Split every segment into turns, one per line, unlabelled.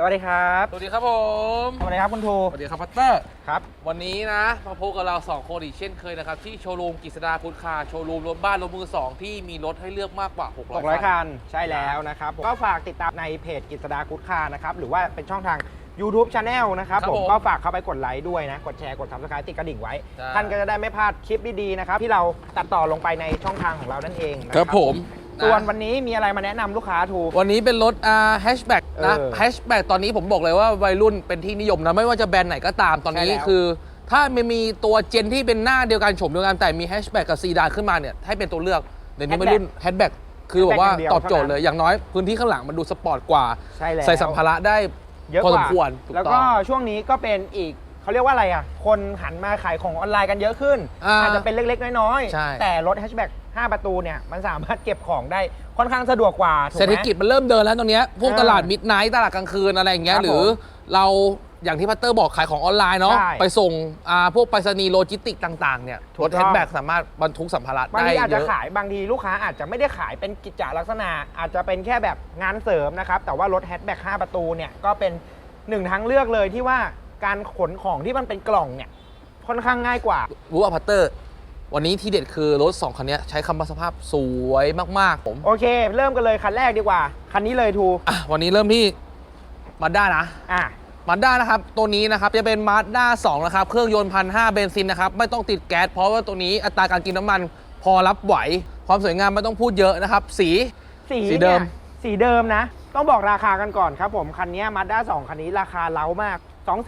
วัสดีครับ
สวัสดีครับผม
สวัสดีครับคุณทู
สวัสดีครับพัตเตอร์
ครับ
วันนี้นะมาพบกับเรา2คนอีกเช่นเคยนะครับที่โชว์รูมกฤษดาพุทธคาร์โชว์รูมรถบ้านรถมือ2ที่มีรถให้เลือกมากกว่า600
คันใช่แล้วนะครับก็ฝากติดตามในเพจกฤษดากุ๊ดคาร์นะครับหรือว่าเป็นช่องทาง YouTube Channel นะครับผมก็ฝากเข้าไปกดไลค์ด้วยนะกดแชร์กด Subscribe ติดกระดิ่งไว้ท่านก็จะได้ไม่พลาดคลิปดีๆนะครับที่เราตัดต่อลงไปในช่องทางของเรานั่นเอง
ครับผม
ส่วนวันนี้มีอะไรมาแนะนำลูกค้าทู
วันนี้เป็นรถแฮชแบ็กนะแฮชแบ็กตอนนี้ผมบอกเลยว่าวัยรุ่นเป็นที่นิยมนะไม่ว่าจะแบรนด์ไหนก็ตามตอนนี้คือถ้าไม่มีตัวเจนที่เป็นหน้าเดียวกันโฉมเดียวกันแต่มีแฮชแบ็กกับซีดานขึ้นมาเนี่ยให้เป็นตัวเลือกเดี๋ยวนี้วัยรุ่นแฮชแบ็กคือแบบว่าตอบโจทย์เลยอย่างน้อยพื้นที่ข้างหลังมันดูสปอร์ตกว่าใส่สัมภาระได้
เยอะกว่าแล้วก็ช่วงนี้ก็เป็นอีกเขาเรียกว่าอะไรอ่ะคนหันมาขายของออนไลน์กันเยอะขึ้นอาจจะเป็นเล็กๆน้อยๆแต่รถแฮชแบ็ก5 ประตูเนี่ยมันสามารถเก็บของได้ค่อนข้างสะดวกกว่า
เศรษฐกิจมันเริ่มเดินแล้วตรงนี้พวกตลาดมิดไนท์ตลาดกลางคืนอะไรอย่างเงี้ยหรือเราอย่างที่พัตเตอร์บอกขายของออนไลน์เนาะไปส่งพวกไปรษณีย์โลจิสติกต่างๆเนี่ยรถแฮชแบ็กสามารถบรรทุกสัมภาระได้เยอะบางทีอาจจะขายบางทีลูกค้าอาจจะไม่ได้ขายเป็นกิจจลักษณะอาจจะเป็นแค่แบบงานเสริมนะครับแต่ว่ารถแฮชแบ็ก5 ประตูเนี่ยก็เป็น1 ทางเลือกเลยที่ว่าการขนของที่มันเป็นกล่องเนี่ยค่อนข้างง่ายกว่ารู้ว่าพัตเตอร์วันนี้ที่เด็ดคือรถ2คันนี้ใช้คำว่าสภาพสวยมากๆผม
โอเคเริ่มกันเลยคันแรกดีกว่าคันนี้เลยทู
วันนี้เริ่มที่มาด้านะมาด้านะครับตัวนี้นะครับจะเป็นมาด้า2นะครับเครื่องยนต์1,500เบนซินนะครับไม่ต้องติดแก๊สเพราะว่าตัวนี้อัตราการกินน้ำมันพอรับไหวความสวยงามไม่ต้องพูดเยอะนะครับสีเดิ
มนะต้องบอกราคากันก่อนครับผมคันนี้มาด้า2คันนี้ราคาเล้ามาก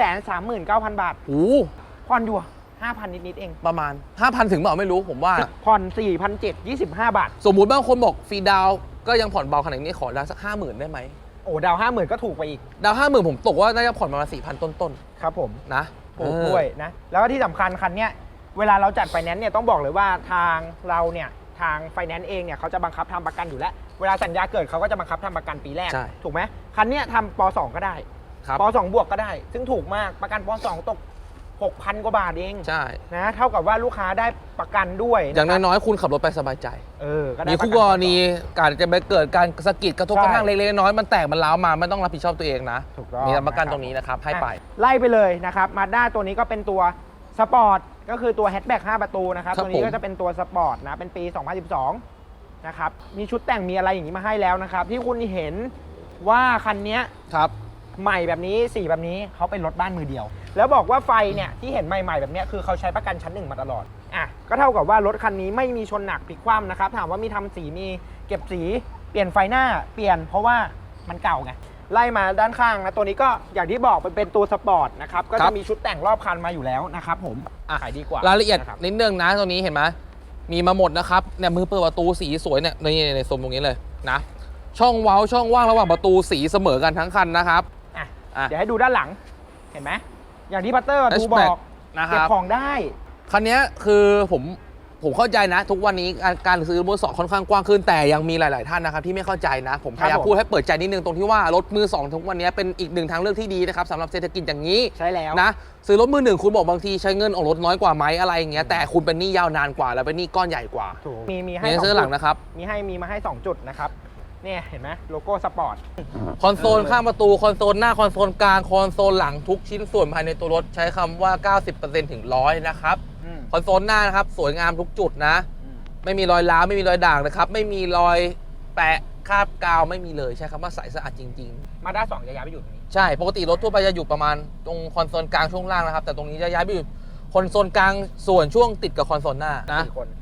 239,000 บาท
โอ้
ผ่อนอยู่5,000 นิดๆเอง
ประมาณ 5,000 ถึงเปล่าไม่รู้ผมว่า
ผ่อน 4,725 บาท
สมมุติบางคนบอกฟรีดาวก็ยังผ่อนเบาขนาดนี้ขอดาวสัก 50,000 ได้ไหม
โอ้ดาว 50,000 ก็ถูกไปอีก
ดาว 50,000 ผมตกว่าน่าจะผ่อนประมาณ 4,000 ต้น
ๆครับผม
นะ
ถูกด้วยนะแล้วก็ที่สำคัญคันนี้เวลาเราจัดไฟแนนซ์เนี่ยต้องบอกเลยว่าทางเราเนี่ยทางไฟแนนซ์เองเนี่ยเขาจะบังคับทำประกันอยู่แล้วเวลาสัญญาเกิดเขาก็จะบังคับทำประกันปีแรกถูกไหมคันนี้ทำป.2 ก็ได้ป.2 บวกก็ได้ซึ่งถูกมากประกันป.2 ตก 6,000 กว่าบาทเอง
ใช่
นะเท่ากับว่าลูกค้าได้ประกันด้วย
อย่างน้อยๆคุณขับรถไปสบายใจมีคู่กรณีการจะไปเกิดการสะกิดกระทบกระทั่งเล็กๆน้อยๆมันแตกมันร้าวมาไม่ต้องรับผิดชอบตัวเองนะมีประกันตรงนี้นะครับให้ไป
ไล่ไปเลยนะครับมาด้าตัวนี้ก็เป็นตัวสปอร์ตก็คือตัวแฮชแบ็ก5 ประตูนะครับตัวนี้ก็จะเป็นตัวสปอร์ตนะเป็นปี 2012นะครับมีชุดแต่งมีอะไรอย่างนี้มาให้แล้วนะครับที่คุณเห็นว่าคันนี้
ครับ
ใหม่แบบนี้สีแบบนี้เขาเป็นรถบ้านมือเดียวแล้วบอกว่าไฟเนี่ยที่เห็นใหม่ๆแบบนี้คือเขาใช้ประกันชั้น 1มาตลอดก็เท่ากับว่ารถคันนี้ไม่มีชนหนักพลิกคว่ำนะครับถามว่ามีทำสีมีเก็บสีเปลี่ยนไฟหน้าเปลี่ยนเพราะว่ามันเก่าไงไล่มาด้านข้างนะตัวนี้ก็อย่างที่บอกเป็นตัวสปอร์ตนะครับก็จะมีชุดแต่งรอบคันมาอยู่แล้วนะครับผมขายดีกว่าร
ายละเอียดนิดนึงนะตัวนี้เห็นไหมมีมาหมดนะครับเนี่ยมือเปิดประตูสีสวยเนี่ยในโซนตรงนี้เลยนะช่องเว้าช่องว่างระหว่างประตูสีเสมอกันทั้งคันนะครับ
เดี๋ยวให้ดูด้านหลังเห็นไหมอย่างที่พัตเตอร์ดูบอกเก็บของได้
คันนี้คือผมเข้าใจนะทุกวันนี้การซื้อมือสองค่อนข้างกว้างขึ้นแต่ยังมีหลายๆท่านนะครับที่ไม่เข้าใจนะผมพยายามพูดให้เปิดใจนิดนึงตรงที่ว่ารถมือสองทุกวันนี้เป็นอีก1 ทางเลือกที่ดีนะครับสำหรับเศรษฐกิจอย่างนี้
ใช่แล้ว
นะซื้อรถมือ1คุณบอกบางทีใช้เงินออกรถน้อยกว่าไหมอะไรอย่างเงี้ยแต่คุณเป็นหนี้ยาวนานกว่าแล้วเป็นหนี้ก้อนใหญ่กว่า
มีให้
ซื้อหลังนะครับ
มีมาให้2 จุดนะครับเนี่ยเห็นไหมโลโก้สปอร์ต
คอนโซลข้างประตูคอนโซลหน้าคอนโซลกลางคอนโซลหลังทุกชิ้นส่วนภายในตัวรถใช้คำว่า 90% ถึง 100นะครับคอนโซลหน้านะครับสวยงามทุกจุดนะไม่มีรอยร้าวไม่มีรอยด่างนะครับไม่มีรอยแปะคราบกาวไม่มีเลยใช้คำว่าใสสะอาดจริง
ๆมาด้า2จะย้ายไปอยู่ตรงนี้
ใช่ปกติรถทั่วไปจะอยู่ประมาณตรงคอนโซลกลางช่วงล่างนะครับแต่ตรงนี้จะย้ายไปอยู่คอนโซลกลางส่วนช่วงติดกับคอนโซลหน้านะ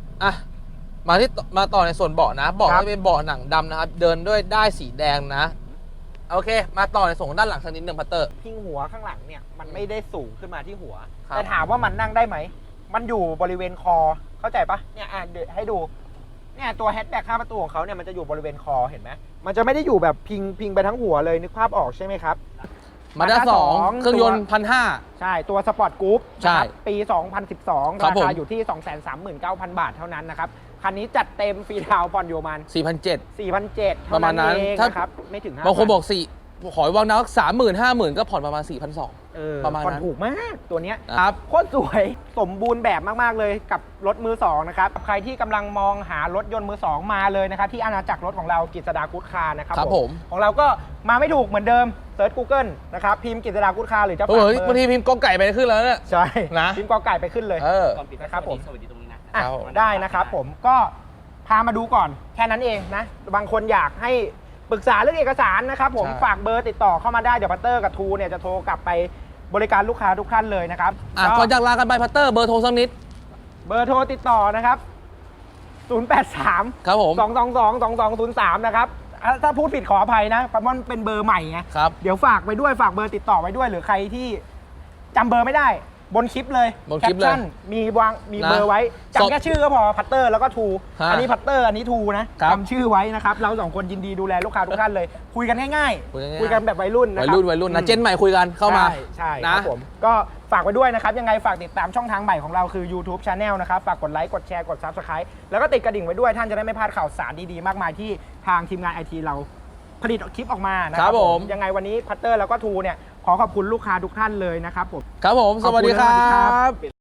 มาต่อในส่วนเบาะนะเบาะจะเป็นเบาะหนังดำนะครับเดินด้วยได้สีแดงนะโอเคมาต่อในส่วนด้านหลังสักนิดนึงพัตเตอร์
พิงหัวข้างหลังเนี่ยมันไม่ได้สูงขึ้นมาที่หัวแต่ถามว่ามันนั่งได้ไหมมันอยู่บริเวณคอเข้าใจปะเนี่ยเดี๋ยวให้ดูเนี่ยตัวแฮชแบ็ก5 ประตูของเขาเนี่ยมันจะอยู่บริเวณคอเห็นไหมมันจะไม่ได้อยู่แบบพิงไปทั้งหัวเลยนึกภาพออกใช่ไหมครับ
มาด้า2เครื่องยนต์1,500
ใช่ตัวสปอร์ตกรุ๊ปปี 2012ราคาอยู่ที่ 239,000 บาทเท่านั้นนะครับคันนี้จัดเต็มฟรีดาวผ่อนอยู่ประมาณ 4,700
ประมาณนั้น
ครับไม่ถึง
บางคนบอกขอยวางนัก30,000-50,000ก็ผ่อนประมาณ 4,200ประมาณนั้น
ผ่อนถูกมากตัวเนี้ยโคตรสวยสมบูรณ์แบบมากๆเลยกับรถมือ2นะครับใครที่กำลังมองหารถยนต์มือ2มาเลยนะครับที่อาณาจักรรถของเรากฤษดากุ๊ดคาร์นะครับผมของเราก็มาไม่ถูกเหมือนเดิมเซิร์ช Google นะครับพิมพ์กิตติดากุดคาหรือจะฝาก
เฮ้ย
เบ
บาง
อ
ที
ร์
พิมพ์กอไก่ไปขึ้นแล้วเนี่ย
ใช่
นะ
พิมพ์กอไก่ไปขึ้นเลย
ก่อนปิด
นะครับผม
สวัสดีตรงนี้นะ
อ่ะ
ครับผม
ได้นะครับผมก็พามาดูก่อนแค่นั้นเองนะบางคนอยากให้ปรึกษาเรื่องเอกสารนะครับผม
ใช่
ฝากเบอร์ติดต่อเข้ามาได้เดี๋ยวพัตเตอร์กับทูเนี่ยจะโทรกลับไปบริการลูกค้าทุกท่านเลยนะครับ
ก่อนจากลากันไปพัตเตอร์เบอร์โทรสักนิด
เบอร์โทรติดต่อนะครับ 083
ครับผม
222 นะครับถ้าพูดผิดขออภัยนะเพราะมันเป็นเบอร์ใหม่ไง
ครับ
เดี๋ยวฝากไปด้วยฝากเบอร์ติดต่อไว้ด้วย หรือใครที่จำเบอร์ไม่ได้บนคลิปเลย
บนคลิปเลย
แชั่นมี
นะ
เบอร์ไว้
สอบ
จำแค่ชื่อก็พอพัตเตอร์แล้วก็ทู
ฮะ
อันนี้พัตเตอร์อันนี้ทูนะครับ จำชื่อไว้นะครับเราสองคนยินดีดูแลลูกค้าทุกท่านเลย คุยกันง่าย
คุยกันง่าย
คุยกันแบบวัยรุ่นนะ
วั
ค
ย
รับ
รุ่นนะเจนใหม่คุยกันเข้ามา
ใช่ค
นะ
รับผมก็ฝากไว้ด้วยนะครับยังไงฝากติดตามช่องทางใหม่ของเราคือ YouTube Channel นะครับฝากกดไลค์กดแชร์กด Subscribe แล้วก็ติดกระดิ่งไว้ด้วยท่านจะได้ไม่พลาดข่าวสารดีๆมากมายที่ทางทีมงานไอทีเราผลิตคลิปออกมานะค
ครั
รับบ
ผม
ยังไงวันนี้พัตเตอร์แล้วก็ทูเนี่ยขอขอบคุณลูกค้าทุกท่านเลยนะครับผม
ครับผม สวัสดีค
ขอบคุณ
รั
สวัสดีครับ
บ